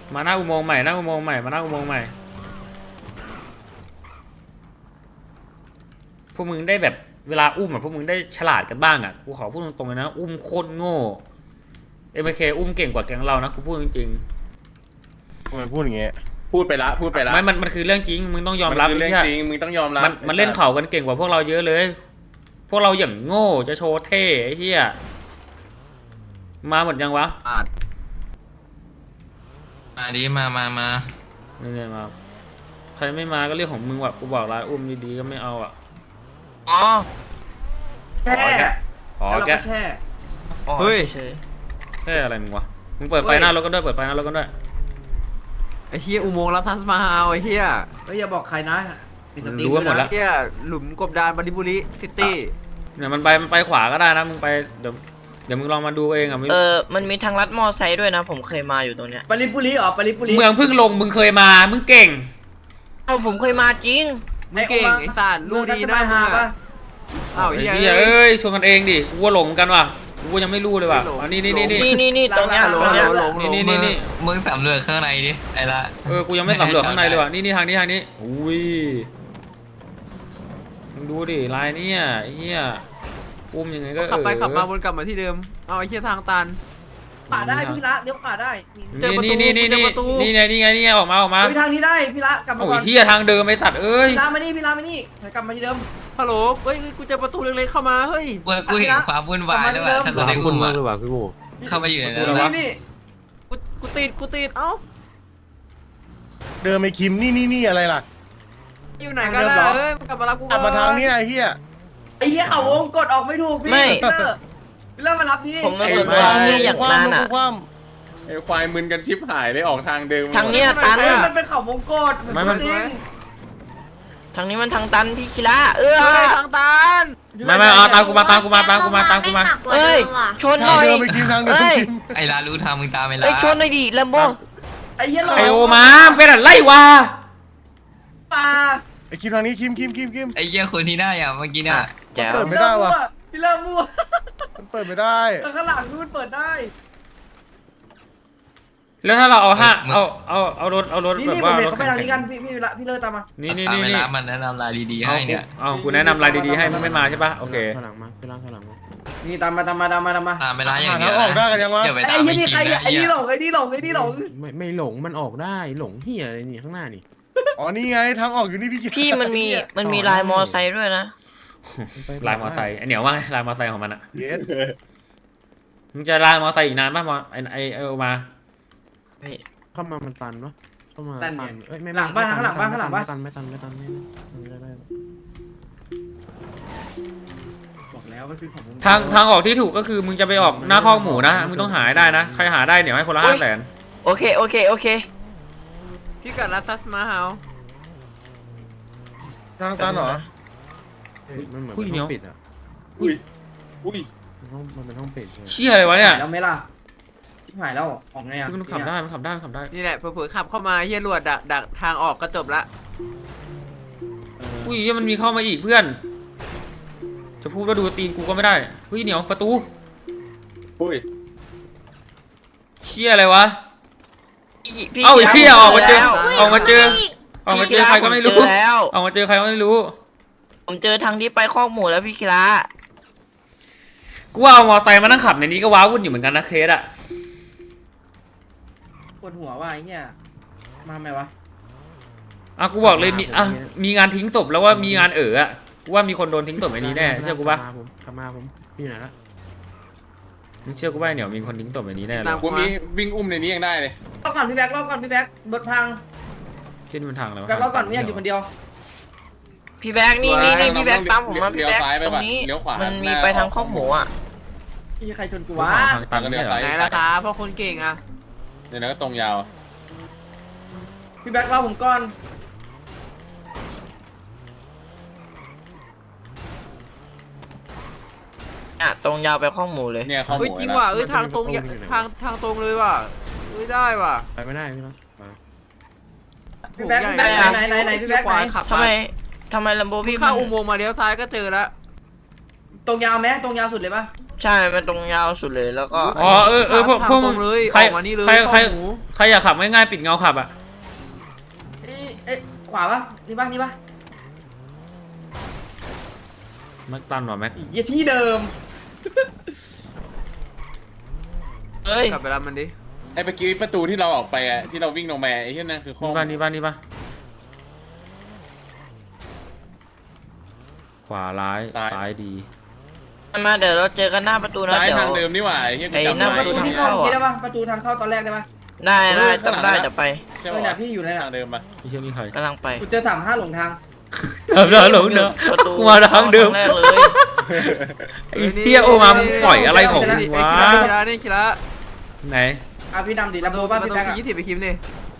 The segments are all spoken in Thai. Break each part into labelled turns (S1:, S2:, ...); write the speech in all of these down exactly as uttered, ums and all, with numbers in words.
S1: มาหน้าอุโมงค์ใหม่หน้าอุโมงค์ใหม่มาหน้าอุโมงค์ใหม่พวกมึงได้แบบเวลาอุ้มอ่ะพวกมึงได้ฉลาดกันบ้างอ่ะกูขอพูดตรงๆเลยนะอุ้มโคตรโง่เอ็มเคอุ้มเก่งกว่าแก๊งเรานะกูพูดจริง
S2: ทำไมพูดอย่างเงี้ย
S3: พูดไปละพูดไปละ
S1: ไม่มันมันคือเรื่องจริงมึงต้องยอมรับ
S3: มันคือเรื่องจริงมึงต้องยอมรับ
S1: มันมันเล่นเข่ากันเก่งกว่าพวกเราเยอะเลยพวกเราอย่างโง่จะโชว์เท่ไอ้เหี้ยมาหมดยังวะ
S4: มาดิมามามา
S1: เนี่ยมาใครไม่มาก็เรื่องของมึงว่ะกูบอกแล้วอุ้มดีๆก็ไม่เอาอ่ะ
S4: อ๋อ
S5: แช่
S1: อ๋อแก
S5: แช่
S4: เฮ้ย
S1: แค่อะไรมึงวะมึงเปิดไฟหน้ารถกันด้วยเปิดไฟหน้ารถกันด้วย
S6: ไอ้เฮียอุโมงค์รับทัสมาฮาวไอ้เฮีย
S5: เฮ้ยอย่าบอกใครนะ
S1: รู้กันหมดแล้ว
S6: เฮียหลุมกบดานบันดิบุรีซิตี้
S1: เนี่ยมันไปมันไปขวาก็ได้นะมึงไปเดี๋ยวเดี๋ยวมึงลองมาดูเองอ่ะ
S7: เออมันมีทางลัดมอไซค์ด้วยนะผมเคยมาอยู่ตรงเนี้ย
S5: ปริปุรีอ๋อปริปุรี
S1: เมืองพึ่งลงมึงเคยมามึงเก่ง
S7: เอ้าผมเคยมาจริง
S6: มึงเก่งไอ้สัตว์ลูกดีนะฮะอ้าวเฮีย
S1: เอ้ยชวนกันเองดิกูว่าหลงกันว่ะกูยังไม่รู้เลยว่ะอ๋อนี่นี่นี่
S7: นี่นี่นี่ตรงเนี้ยตรงเนี้ย
S1: นี่นี่นี่
S4: มึงสำรวจข้างในดิไอ้ละ
S1: เออกูยังไม่สำรวจข้างในเลยว่ะนี่นี่ทางนี้ทางนี้อุ้ยมึงดูดิลายเนี่ยเฮียอุ้มยังไงก็
S6: ขับไปขับมาวนกลับมาที่เดิมเอาไอ้เชี่ยทางตัน
S5: ขวาได้พี่ละเลี้ยวขวาได้
S6: เจอประตู
S1: นี่นี่นี่นี่ไงนี่ไงนี่ไงออกมาออกมา
S5: ทางนี้ได้พี่ละกลับมาก่อน
S1: โอ้ยเฮียทางเดิมไอ้สัตว์เอ้ย
S5: พี่ละมานี่พี่ละมานี่กลับมาที่เดิม
S6: ฮัลโหลเฮ้ยกูเจอประตูเล็กๆเข้ามาเฮ้ย
S4: กูกูเห็นความวุ่นวายด้วยว่ะถ้าเราได้อุ้มอ่ะเข้าไปอยู่ในนั้น
S5: นี่
S6: กูกูติดกูติดเอ้า
S2: เดินไปคิมนี่นี่นี่อะไรล่ะ
S6: อยู่ไหนกันล่ะเฮ้ยกลับมารับกู
S2: กลับมาทางนี้ไอ้เหี้ย
S5: ไอ้เหี้ยเขาวงกดออกไม่ถูกพี่พี่เริ่มมารับที่
S7: ผมมาสนใจอย่างนั้นอ่ะ
S3: ไอ้ควายมึนกันชิบหายเลยออกทางเดิม
S7: ทางเนี้ยตัน
S5: มันเป็นเขาวงกด
S1: ไม่มัน
S7: ทางนี้มันทางตันพี่คิระเออ
S6: ทางตัน
S1: ไม่ไม่เอาตามกูมาตามกูมาตามกูมาตามกูมา
S7: เอ้ยชนหน่อย
S2: เอ้ย
S4: ไอ้ลารู้ทางมึงตามไอ้ลา
S7: เอ้ยชนหน่อยดิแลมโบ
S5: ไอ้เหี้ยหลอ
S1: ไอโอมาเป็นอะไรวะ
S5: ปลา
S2: ไอ้คิมทางนี้คิมคิมคิมคิม
S4: ไอ้เหี้ยคนที่หน้าอย่างเมื่อกี้น่ะ
S2: เปิดไม่ได้วะ
S5: พี่เริ่มมั่ว
S2: มันเปิดไม่ได้
S5: แต่ข้างหลังมันเปิดได้
S1: แล้วถ้าเราเอาห้าเอาเอาเอารถเอารถแบบว่ารถ
S5: เข้าไปทางนี้กันพี่พี่ละพี่เลิศตามมา
S1: นี่นี่นี่
S4: นี่มันแนะนำรายดีๆให้เนี่ย
S1: เอากูแนะนำรายดีๆให้มึงไม่มาใช่ป่ะโอเค
S6: ข้างหลังมาข้างหลังข้างหลังมา
S5: นี่ตามมาตามมาตามมาตามมา
S4: ตามไปร้านอย่างเงี้ย
S2: ออกได้กันยังวะ
S5: ไอ้ยี่นี่ใครไอ้นี่หลงไอ้นี่หลงไอ้นี่หลง
S6: ไม่ไม่หลงมันออกได้หลงเฮียอะไรนี่ข้างหน้านี่
S2: อ๋อนี่ไงทางออกอยู่นี่พี่
S7: พี่มันมีมันมีลายมอไซค์ด้วยนะ
S1: ลายมอไซค์ไอเหนียวว่าลายมอไซค์ของมันอะ
S2: เย็ด
S1: มึงจะลายมอไซค์อีกนานป่ะมอไอไอไอโอมา
S6: เข้ามามันตันปะเข้ามาตันเอ้ยไม่
S5: หลังบ้านข้างหลังบ้านข้างหลังบ้าน
S6: ไม่ตันไม่ตันไม่ตันไม่ได้
S5: บอกแล้วมันคือของ
S1: ทางทางออกที่ถูกก็คือมึงจะไปออกหน้าข้อหมูนะมึงต้องหาได้นะใครหาได้เดี๋ยวให้คนละห้าแสน
S7: โอเคโอเคโอเค
S6: พี่กัดรัตสมาฮาว
S2: ทางตันเหรอ
S6: มันเหมือนมันต้องปิดอ่ะ
S3: อุ้ยอุ้ย
S6: มันเป็นห้องปิด
S1: เชี่ยอะไรวะเนี่ย
S5: แล้วไม่ล่ะที่หายแล้วออกไงอ่ะ
S1: มันขับได้มันขับได้มันขับได้
S6: นี่แหละเผื่อขับเข้ามาเฮียรวดดักดักทางออกก็จบละ
S1: อุ้ยมันมีเข้ามาอีกเพื่อนจะพูดว่าดูตีนกูก็ไม่ได้เฮ้ยเหนียวประตู
S3: อุ้ย
S1: เชี่ยอะไรวะเอ้าเฮียออกมาเจอออกมาเจอออกมาเจอใครก็ไม่รู้ออกมาเจอใครก็ไม่รู้
S7: ผมเจอทางที่ไปคอกหมูแล้วพี่คิระ
S1: กูว่าเอามอไซค์มานั่งขับในนี้ก็ว้าวุ่นอยู่เหมือนกันนะเคสอะ
S5: ปวดหัวว่ะไอ้เงี้ยมาไหมวะ
S1: อ่ะกูบอกเลยมีอ่ะมีงานทิ้งศพแล้วว่ามีงานเอ๋ออะกูว่ามีคนโดนทิ้งศพในนี้แน่เชื่อกูป่ะ
S6: ขับมาผมพี่ไหนละ
S1: มึงเชื่อกูป่ะเนี่ยมีคนทิ้งศพในนี้แน่เลย
S3: กูมีวิ่งอุ้มในนี้ยังได้เลย
S5: รอก่อนพี่แบ๊กรอก่อนพี่แบ๊กบดพัง
S1: ขึ้นบนทางแล้ว
S5: แบ๊กรอก่อนไม่อยากอยู่คนเดียว
S7: พี่แบ๊กนี่นี่นี่พี่แบ๊กตามผมมาพี่แบ๊กตรงนี้มันมีไปทางข้อหมูอ่ะ
S5: พี่ใครชนกูวะ
S1: ทางตันเนี่ย
S6: ไหนล่ะครับเพราะคนเก่งอ่ะ
S3: เดี๋ยวนะก็ตรงยาว
S5: พี่แบ๊กรอผมก่อน
S7: อ่ะตรงยาวไปข้อหมูเลย
S3: เนี่ยข้อหมู
S6: จริงว่ะเอ้ยทางตรงทางทางตรงเลยว่ะไม่ได้ว่ะไปไม่ได้พี่นะ
S5: พี่แบ๊กไหนไหนไหนไหนพี่แบ๊กไหน
S7: ทำไมทำไมลัมโบพี่
S6: เข้าอุโมงค์มาเลี้ยวซ้ายก็เจอแล้ว
S5: ตตรงยาวไหมตรงยาวสุดเลยปะ
S7: ใช่มันตรงยาวสุดเลยแล้วก็
S1: อ๋อเออเออพวกพวกมึง
S6: เลย
S1: ใคร
S6: ออกมานี่เลย
S1: ใครใคร
S6: ข้อหมู
S1: ใครอยากขับง่ายๆปิดเงาขับอ่ะ
S5: เอ้ยเอ้ยขวาปะนี่ปะนี่ปะ
S1: แม็กตันว่ะแม็ก
S5: เหี้ยที่เดิม
S7: เฮ้ย
S6: กลับไปรับมันดิ
S3: ไอ้เมื่อกี้ประตูที่เราออกไปอ่ะที่เราวิ่งลงมาไอ้ที่นั่นคือข้อ
S1: นี่ป่ะนี่ป่ะนี่ป่ะขวาร้ายซ้ายดี
S7: มาเดี๋ยวเราเจอกันหน้าประตูนะ
S3: ซ้าย
S7: เดี๋ยว
S3: ทางเดิมนี่หว่าไอ้ที่กู
S7: ไอ้
S3: จำ
S7: หน้า
S3: ได้
S5: ประตูที่เข้าเมื่อกี้ได้ปะประตูทางเข้าตอนแรกได้ปะ
S7: ได้ได้จำได้จะไป
S3: ใช่
S5: เอ
S3: ไหม
S5: อเนี่ยพี่อยู่ในน่ะ
S3: ทางเดิมปะ
S1: ไม่เชื่อนี่ใคร
S7: กำลังไป
S5: กูเจอสามห้าหลงทาง
S1: เดิมเดิมหลงเดิม
S7: ประตู
S1: กูมาทางเดิม
S7: ครั้งแรกเลย
S1: ไอ้เหี้ยโอมามึงปล่อยอะไรของมึง
S6: ไอ้
S1: วะ
S6: คิระคิระนี่คิระ
S1: ไหน
S5: อ่ะพี่ดำดิ
S6: ประ
S5: ลำโพ
S6: ตู
S5: งบ้าน
S6: ประ
S5: พี่
S6: ตู
S5: แบ๊กอะ
S6: ยี่สิบไปคิมดิ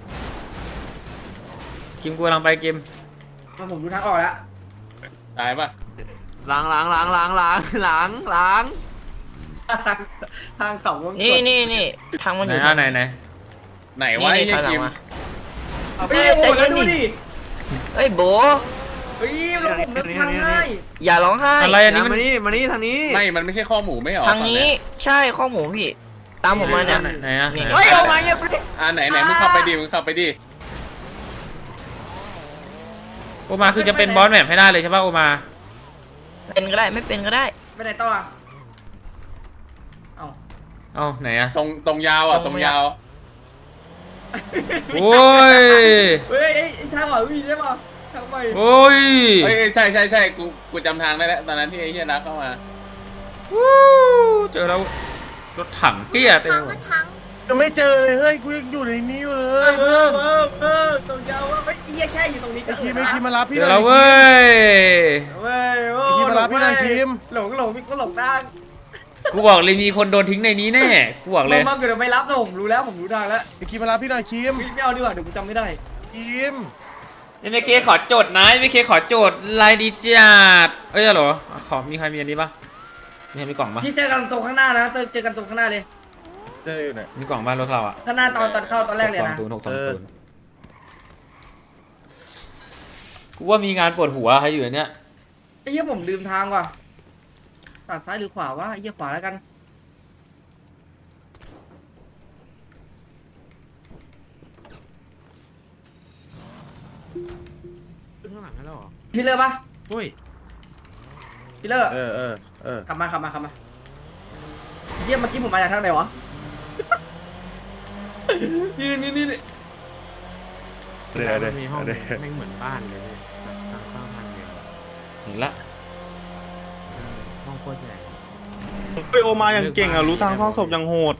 S1: กิมกูกำลังไปเกม
S5: มาผมดูทางออกแล้ว
S3: ซ้ายปะ
S6: ล้างล้างล้างล้างล้างล้างล้าง
S5: ทางทางเขาวงก
S7: นี่
S5: ด
S7: นี่นี่ทางมันอ
S1: ไหน
S7: ยู่
S1: อ่ะไหนไหน
S3: ไหนวะไอ้
S7: นี่
S3: เหี้ย
S7: ถอยหลัง
S3: กิม
S7: มา
S5: เอาพี่โอ้ยแล้วดูดิ
S7: เฮ้ยโบ
S5: เฮ้ยรถผมเดินทางง่าย
S7: อย่าร้องไห้
S1: อะไรอันนี้มัน
S6: มานี่มานี่ทางนี้
S3: ไม่มันไม่ใช่ข้อหมูไม่เหรอ
S7: ทางนี้ใช่ข้อหมูพี่ ตามผมมาเนี่ย
S1: ไหนอ่ะ
S7: นี่
S6: เฮ้ยออกมาเงียบดิ
S3: อ่าไหนไหนมึงขับไปดิมึงขับไปดิ
S1: โอมาคือจะเป็นบอสแมปให้ได้เลยใช่ป่ะโอมา
S7: เป็นก็ได้ไม่เป็นก็ได้
S5: ไปไหนต่ออ่ะเอ้า
S1: เอ้าไหนอ่ะ
S3: ตรงตรงยาวอ่ะตรงยาว
S1: โอ้ย
S5: เฮ้ยไอ้ไอ้ชายบอกวิ่งได้ป่ะทางไป
S1: โอ้ย
S3: เอ้ยใช่ใช่ใช่กูกูจำทางได้แล้วตอนนั้นที่ไอ้เหี้ยนักเข้ามา
S1: วู้เจอแล้วรถถังเตี้ยเต็มไปหมด
S2: ยังไม่เจอเลยเฮ้ยกูยังอยู่ในนี้อยู่เล
S5: เอย อเออเออเออตรงยาวว่าไม่เหี้ยแค่อยู่ตรงนี้ก็
S2: ไอ้
S5: เอ
S2: คิ
S5: อ
S2: มไอ้คิมมารับพี่
S1: เจ
S2: ห
S1: อ
S2: น่
S1: แล้
S2: อ
S1: วย เว้ย
S5: เว้ยโอ้
S2: ไอ้คิมมารับพี่หน่อยคิม
S5: หลงหลงพี่ก็หลงทาง
S1: กูบอกเลยมีคนโดนทิ้งในนี้แน่กูบอกเลย
S5: มาเกิดไม่รับนะผมรู้แล้วผมรู้ทางแล้ว
S2: ไอ้คิมมารับพี่หน่อยคิม
S5: ไม่เอาดีกว่าเดี๋ยวกูจำไม่ได้
S2: คิม
S1: เอ็มเคขอโจทย์นะเอ็มเคขอโจทย์ลายดีจัดเอ้ยเหรอขอมีใครมีอันนี้ปะมีใครมีกล่องปะ
S5: ที่เจอกันตรงข้างหน้านะเจอกันตรงข้างหน้าเลย
S2: เจออยู่ไหน
S1: มีกล่องบ้านรถเราอ่ะ
S5: ข้างหน้าตอนตอนเข้าตอนแรกเลย
S1: หกสอง
S5: นะ
S1: ศูนย์หกสองศูนย์กูว่ามีงานปวดหัวใครอยู่ในเนี้ย
S5: ไอ้เหี้ยผมลืมทางว่ะตัดซ้ายหรือขวาวะไอ้เหี้ยขวาแล้วกัน
S6: ขึ้นข้างหลังให้แล้วเหรอ
S5: พี่เลิกปะ
S6: เฮ้ย
S5: พี่เลิก
S2: เออเออเออก
S5: ลับมากลับมาขับมาเยี่ยมเมื่อกี้ผมมาจากทางไหนวะ นี่นี่นี่
S2: เดี๋ยวเดี๋ยว
S8: มีห้อง
S2: เดี๋ยว
S8: ไม่เหมือนบ้านเลยแบบทางเข้าทางเดียว
S1: เห็นละ
S8: เออห้องโคตรใหญ่
S9: ไปโอมาอย่างเก่งอ่ะรู้ทางซ่อนศพอย่างโหด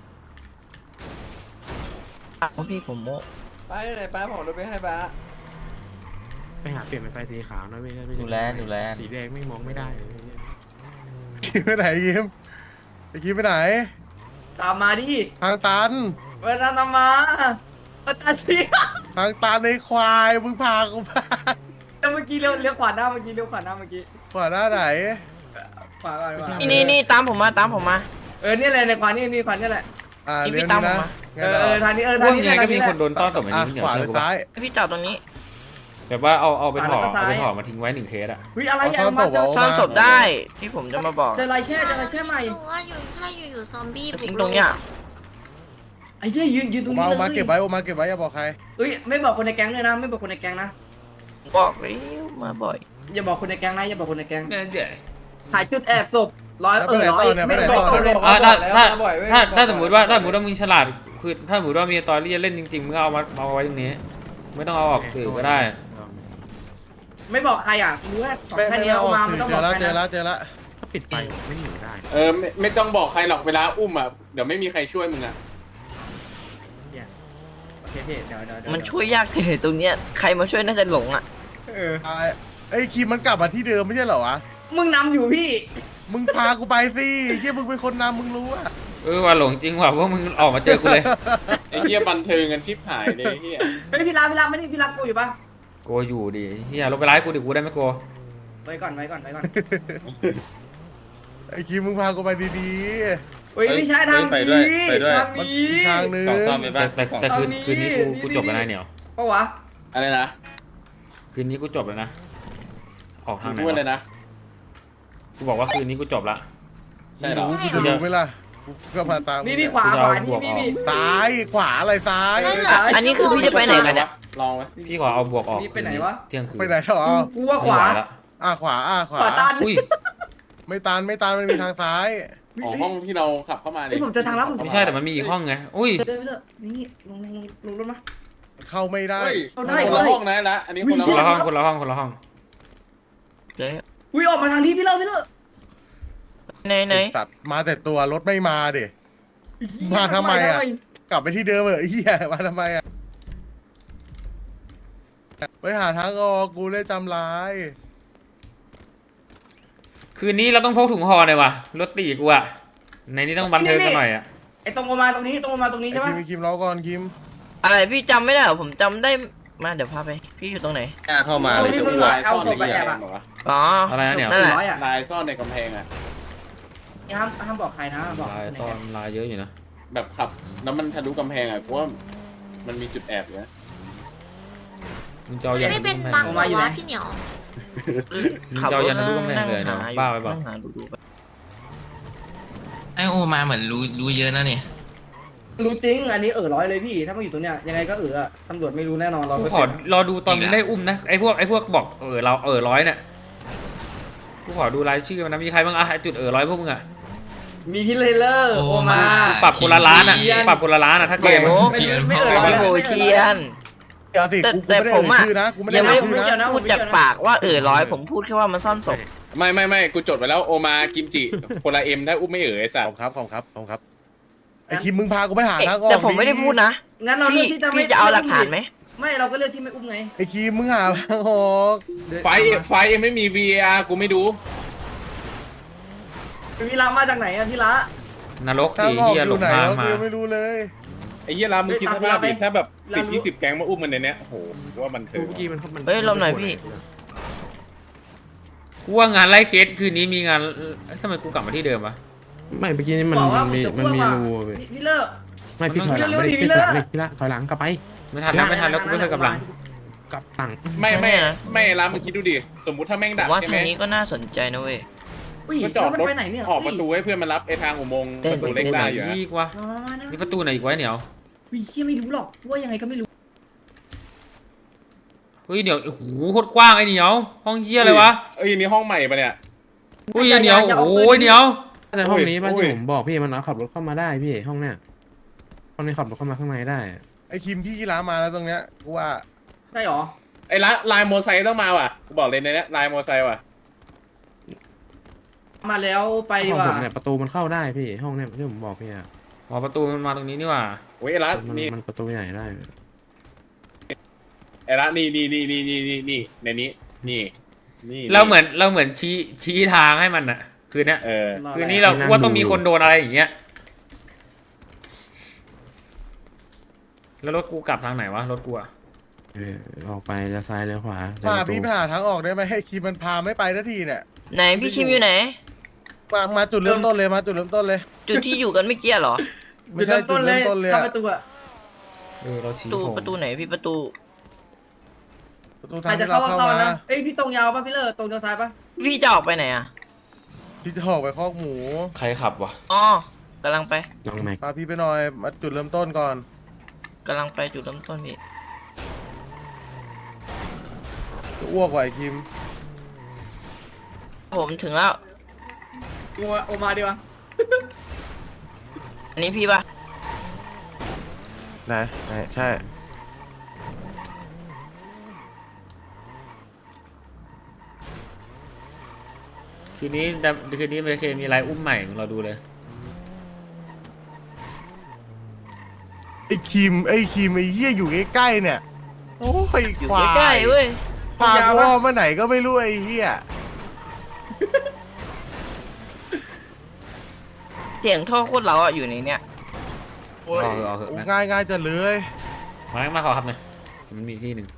S7: พี่ผมโม
S6: ไปไหนป้าผมรถไปให้ป้า
S8: ไปหาเปลี่ยนเป็นไฟสีขาวนะไม่ใช่ไม่ใช่
S1: ดูแลดูแล
S8: สีแดงไม่มองไม่ได้เลย
S2: คิมไปไหนคิมไอ้คิมไปไหน
S5: ตามมาดิ
S2: ทางตัน
S5: เวลาตามมาอาจารย์พี่
S2: ทางตันในควายมึงพากูไป
S5: เมื่อกี้เลี้ยวเลี้ยวขวาหน้าเมื่อกี้เลี้ยวขวาหน้าเมื่อกี้
S2: ขวาหน้าไหน
S5: ขวาก่อนขวา
S7: นี่นี่นี่ตามผมมาตามผมมา
S5: เออเนี่ยแหละในขวานี่นี่ขวานี่แหละ
S2: อ่า
S7: คิม
S2: เลี้ยว
S7: พี่ตาม
S2: นี่
S7: ผม
S2: นะ
S7: มา
S5: เออเออทางนี้เออ
S1: พ
S5: ทาง
S1: วก
S5: นี้
S1: นี้
S5: แหละ
S1: ก็
S5: ทาง
S1: มี
S5: นี้แหละ
S1: คนโดนต้อนศพแบบ
S2: อ่ะ
S1: นี้เหนีย
S2: ข
S1: ว
S2: วาห
S1: เชื่
S2: รือ อ
S1: กูปะ
S2: ซ้าย
S7: ให้พี่จอดตรงนี้
S1: แบบว่าเอาเอาเป็นห่อเอาเป็นห่อมาทิ้งไว้หนึ่งเคสอะ
S5: เฮ้ยอะไร
S2: เอา
S5: อ่ะ
S2: ซ่อน
S5: มา
S2: ศพ
S5: เจอ
S2: เอา
S7: ซ่อนศพได้ที่ผมจะมาบอก
S5: เจอลายแช่เจอลายแช่ใหม่
S10: หนูว่าอยู่ใช่อยู่อยู่ซอมบี้
S7: ทิ้งตรงเนี้ย
S5: ไอ้เหี้ยยืนยืนตรง
S2: มา
S5: นี้เล
S2: เอามาย เก็บไว้เอามาเก็บไว้อย่าบอกใคร
S5: เอ้ยไม่บอกคนในแก๊งเลยนะ ไม่บอกคนในแก๊งนะ
S7: บอกแล้วมาบ่อย
S5: อย่าบอกคนในแก๊งนะอย่าบอกคนในแก๊ง
S1: เนี่ยเดี๋ยว
S5: ถ่ายชุดแอบศพร้อย
S2: แล้ว
S5: เอ
S2: ไป
S5: อ
S2: ไหน
S5: ร้อ
S2: ต่
S5: ย
S2: อเนี่ยไป
S5: ไม่
S2: ไหน
S5: บ
S2: ต่
S5: อ
S2: อก
S5: คนใน
S1: อ่าถ้าถ้า
S6: บ่อยเว้ย
S1: ถ้าถ้าสมมติว่าถ้าสมมติว่ามึงฉลาดคือถ้าสมมติว่ามีตอรี่จะเล่นจริงๆมึงก็เอามาเอาไว้ตรงนี้ ไม่ต้องเอาออกสื่อก็ได้
S5: ไม่บอกใครอ่ะรู้แค่สอง
S2: ไม่
S5: แค่
S2: ไม่
S5: นี้
S2: เอา
S5: เอามา
S2: อ
S5: ไม่
S2: อก
S5: ต้อง
S2: เจ
S5: บอ
S2: อก แล้ว
S5: ใคร
S2: เจอแล้
S5: นะ
S2: วเจอแล้ว
S8: ถ้าปิดไฟไม่อยู่ได้
S3: เออไม่ไม่ต้องบอกใครหรอกเวลาอุ้มอ่ะเดี๋ยวไม่มีใครช่วยมึงอ่ะ
S5: โอเคพี่เดี๋ยวเดี๋ยวเดี๋ยว
S7: มันช่วยยากที่ตรงเนี้ยใครมาช่วยน่าจะหลงอ่ะ
S5: เออ
S2: อ่าไอ้คิมมันกลับมาที่เดิมไม่ใช่เหรอวะ
S5: มึงนำอยู่พี่
S2: มึงพากูไปสิเยี่ยมึงเป็นคนนำมึงรู้อะ
S1: เออว่าหลงจริงว่ะเพราะมึงออกมาเจอกูเลย
S3: ไอ้เหี้ยบันเทิงกันชิบหายเลยไอ้เหี้ย
S5: เฮ้ยพี่รับพี่รับไม่ได้พี่รับกูอยู่ปะ
S1: โกอยู่ดิเฮียลงไปไล่กูดิกูได้ไหมโก
S5: ไว้ก่อนไว้ก่อนไว้ก่อน
S2: ไอ้คิมมึงพากูไปดี
S5: เฮ้ยไม่ใช่ทาง
S3: ไปด้วย
S5: นี้
S3: ไปด้วย
S5: ทาง
S2: ๆมัน
S5: นี้
S2: อีกทางนึง
S3: กล่องซ่อมไป
S1: แต่
S3: ป่ะ
S1: แต่แต่คืน
S5: เอานี่
S1: คืนนี้กู
S5: นี่
S1: กูจบแล้วนะเหนียว
S5: ปะวะ
S3: อะไรนะ
S1: คืนนี้กูจบแล้วนะออกทางไหน
S3: พูดเล
S1: วะ
S3: ยนะ
S1: กูบอกว่าคืนนี้กูจบละ
S3: ใช่เหรอ
S2: รู้กูจะรู้ไหมล่ะกูก็มาตาม
S5: นี่นี่ขวาขวานี่นี่นี่
S2: ซ้ายขวาอะไรซ้าย
S7: อันนี้คือพี่จะไปไหนกันเนี่ย
S3: ลองไหม
S1: พี่ขอเอาบวกออก
S5: นี่ไปไหนวะ
S1: เที่ยงคืน
S2: ไปไหนหรอ
S5: กูว่าขวา
S1: ไม่ไหละ
S2: อ่ะขวาอ่ะขวา
S5: ขวาตัน
S1: อุ้ย
S2: ไม่ตันไม่ตันมันมีทางซ้าย
S3: ของห้องที่เราขับเข้ามา
S5: เฮ้ยผมเจอทางลับผมเจอ
S1: ไม่ใช่แต่มันมีอีกห้องไงอุ้ย
S5: เดินไปเลยนี่ลงลงลงรถมา
S2: เข้าไม่ได้
S3: เฮ้ย
S5: เอา
S3: คน
S5: ได้
S3: ละห้องนะละอันนี้คนละ
S1: คนละ
S3: ห้
S1: ห้
S3: อ
S1: อง งคนละห้องคนละห้อง
S7: เจ๊
S5: อุ้ยออกมาทางนี้พี่เลิศพี่เลิศ
S7: ไหนไหน
S2: ไอ้สัตว์มาแต่ตัวรถไม่มาดิ มาทำไมอะ กลับไปที่เดิมเหอะไอ้เหี้ยมาทำไมอ่ะไปหาทางออกกูเลยจำร้าย
S1: คืนนี้เราต้องพกถุงห่อหน่อยวะรถตีกูอะในนี้ต้องบันเทิงกันหน่อยอะ
S5: ไอ้ตรงออกมาตรงนี้ตรงออกมาตรงนี้
S2: ไอ้
S5: ใช่ปะ
S2: คิมไอ้คิมรอก่อนคิม
S7: อะไรพี่จำไม่ได้เหรอผมจำได้มาเดี๋ยวพาไปพี่อยู่ตรงไหน
S3: กล้าเข้ามาเลยจะอ้วกเอาศพไปแอบ
S7: อ๋อ
S1: อะไรนะเนี่ย
S7: นั่นแหละ
S5: ร้อยอ่ะ
S3: ลายซ่อนในกำแพงอ่ะ
S5: ห้ามห้ามบอกใครนะบอก
S1: ลายซ่อนลายเยอะอยู่นะ
S3: แบบขับแล้วมันทะลุกำแพงอ่ะเพราะว่ามันมีจุดแอบอยู่นะ
S1: มึงจะเอายัน
S10: ไม่
S1: ทะ
S10: เป็น
S1: ลุกำแพ
S10: บั
S1: ง
S10: ง
S1: เลย
S10: เหรอวะพี่เหนียว
S1: มึงจะเอายันทะลุกำแพงเลยเนาะบ้าไปเปล่า
S7: นั่งหดูดูไป
S4: ไอโอมาเหมือนรู้รู้เยอะนะเนี่ย
S5: รู้จริงอันนี้เออร้อยเลยพี่ถ้ามาอยู่ตรงเนี้ยยังไงก็เอออะตำรวจไม่รู้แน่นอนเรา
S1: กูขอรอดูตอนมึงได้อุ้มนะไอพวกไอพวกบอกเออเราเออร้อยเนี่ยกูขอดูรายชื่อมันนะมีใครบ้างอะไอจุดเออร้อยพวกมึงอะ
S5: มีพี่เลเลอร์โอมา
S1: ปรับคนละล้านอะปรับคนละล้านอะถ้าเกม
S7: โอ้
S1: อะ
S7: โหไม่เออร้อยโหเชียน
S2: เดี๋ยวสิ
S7: แต่
S2: กูกู
S7: แต่
S2: ไม่ได้
S7: ผ
S2: เอ่
S7: ม
S2: ย
S7: อะ
S2: ชื่อนะกูไม่ได้
S7: ยัง
S2: เอ่
S7: ไม่
S2: ยชื่อนะ
S7: พูดจากปากว่าเออร้อยผมพูดแค่ว่ามันซ่อนศพ
S3: ไม่ไม่ไม่กูจดไว้แล้วโอมากิมจิคนละเอ็มได้อุ้มไม่เอ๋ยไอ้สั
S2: ข
S3: ต
S2: อบ
S3: ว์
S2: ครับขอบครับขอบครับไอ้คิมมึงพากูไปหาทางออก
S7: แต่ผมไม่ได้พูดนะ
S5: งั้นเราเลือก
S7: พี่
S5: ที่จะไม่
S7: พี่จะเอาหลักฐานไหม
S5: ไม่เราก็เลือกที่ไม่อุ้มไง
S2: ไอ้คิมมึงหาทางออก
S3: ไฟเอ็มไฟเอ็มไม่มี วี เอ อาร์ กูไม่ดู
S5: พี่ละมาจากไหนอะพี่ละ
S1: นรก
S2: ทา
S1: ดี
S2: งออก
S1: เฮีย
S2: อ
S1: หล
S2: ยู่
S1: ง
S2: ไหน
S1: ทาง
S2: เรา
S1: มา
S2: คือไม่รู้เลย
S3: ไอ้เหี้ยรามึงคิดสภาพดิถ้าแบบสิบยี่สิบแก๊งมาอุ้มมันในเนี้ยโอ้โหกูว่ามันเถ
S8: เมื่
S3: อะ
S8: อกี้มันมัน
S7: เฮ้ยลมหน่อยพี่
S1: กูว่างานไล่เคสคืนนี้มีงานเอ้ยทำไมกูกลับมาที่เดิมวะ
S8: ไม่เมื่อกี้นี่มัน
S5: บอกว่า
S8: มี
S5: จะ
S8: มัน
S5: อ้วก
S8: มี
S5: ว่ะ
S8: รูเว้ย
S5: พี่พี่เลิก
S8: ไม่พี่ถอยหลัง
S5: เร็ว
S8: ไม่
S5: ๆ
S8: ได้
S5: ดิ
S8: พี่ถอยหลัง
S5: เลิ
S8: ดิ
S5: ก
S8: พี่ละถอยหลังกลับไป
S1: ไม่ทันแล้วไม่ทันแล้วกูไม่เคยกลับหลัง
S8: กลับหลัง
S3: ไม่ไม่ไม่รามึงคิดดูดิสมมุติถ้าแม่ง
S7: ผ
S3: ดั
S7: ม
S3: ก
S7: ว่า
S3: ใช่
S7: ทา
S3: ไหม
S7: งนี้ก็น่าสนใจนะเว้ย
S5: อุ้ย
S3: ก็จอด
S5: แล้วมัน
S3: รถ
S5: ไปไหนเนี่ย
S3: ออกประตูให้เพื่อนมารับไอ้ทางอุโมงค์
S7: เต้
S3: ป
S7: น
S3: ระตูเล็กได้อยู่นะ
S1: อีกวะ
S5: มามามานะ
S1: นี่ประตูไหนอีกไว้เหนียว
S5: วิเฮียไม่รู้หรอกว่ายังไงก็ไม่รู้
S1: เฮ้ยเหนียวโอ้โหโคตรกว้างไอ้เหนียวห้องเฮียอะไรวะ
S3: เอ้ยนี่ห้องใหม่ปะเนี่ย
S1: เฮ้ยเหนียวโอ้ยเหนียว
S8: แต่ห้องนี้ป่ะ
S3: โอ้ย
S8: ที่ผมบอกพี่มันเอาขับรถเข้ามาได้พี่ห้องเนี้ยห้องนี้ขับรถเข้ามาข้างในได้
S2: ไอ้คิมพี่กีฬามาแล้วตรงเนี้ยกูว่า
S5: ใช่หรอ
S3: ไอ้ละลายโมอไซค์ต้องมาว่ะกูบอกเลยในเนี้ยลายโมอไซค์ว่ะ
S5: มาแล้วไปดี
S8: ห้อง
S5: กว่า
S8: ผมเนี่ยประตูมันเข้าได้พี่ห้องเนี้ยที่ผมบอกพี่อะ
S1: อ๋อประตูมันมาตรงนี้นี่หว่า
S3: โอ้ยไอ้ละ
S8: มัน
S3: นี่
S8: มันประตูใหญ่ได้
S3: ไอ้ละนี่นี่นี่นี่นี่นี่นี่ในนี้นี่นี่
S1: เราเหมือนเราเหมือนชี้ชี้ทางให้มันอะคืนเนี้ย
S3: เออ
S1: คืนนี้เราว่าต้องมีคนโดนอะไรอย่างเงี้ยแล้วรถกูกลับทางไหนวะรถกูอะ
S8: เออออกไปเลี้ยวซ้ายเลี้ยวขวา
S2: พาพี่ไปหาทางออกได้ไหมให้คิมมันพาไม่ไปทันทีเนี่ย
S7: ไหนพี่คิมอยู่ไหน
S2: มามาจุดเริ่มต้นเลยมาจุดเริ่มต้นเลย
S7: จุดที่อยู่กันเมื่อกี้เหรอ
S2: ไม่ใช่จุดเริ่มต้นเลย
S5: เข้า
S2: อะ
S5: ประตูอะ
S1: เออเราชี้
S7: ประตู
S1: ผม
S7: ประตูไหนพี่ประตู
S2: ประตู
S5: ใค
S2: ทาร ง
S5: จะ
S2: ที่
S5: เข้า
S2: เรา
S5: ก็
S2: เข้า
S5: เข้า
S2: มา
S5: นะเอ้ยพี่ตรงยาวป่ะพี่เลิศตรงเดียวซ้ายป่ะ
S7: พี่จะออกไปไหนอ่ะ
S2: พี่จะออกไปคอกหมู
S1: ใครขับวะ
S7: อ๋อกำลังไป
S8: น้องแม็ก
S2: พาพี่ไปหน่อยมาจุดเริ่มต้นก่อน
S7: กำลังไปจุดเริ่มต้นพี่
S2: จะอ้วกไหวคิม
S7: ผมถึงแล้ว
S5: กูโอมาดีวะ
S7: อันนี้พี่ป่ะ
S2: ไหนไหนใช่
S1: คืนนี้ดับคืนนี้เมเคมีอะไรอุ้มใหม่มึงเราดูเลย
S2: ไอ้คิมไอ้คิมไอ้เหี้ยอยู่ใกล้ๆเนี่ยโอ้ย
S7: อยู่
S2: ควา
S7: ใกล้
S2: ย
S7: ๆเว้ย
S2: พากูอ้อมมาไหนก็ไม่รู้ไอ้เหี้ย
S7: เสียงท่อโคตรเราอ่ะอยู่ในเนี้ย
S2: โอ้ย
S1: เอาเถอะเอาเถอะ
S2: ง่ายง่ายๆจะเลย
S1: มามาขอขับหน่อยมันมีที่หนึ่ง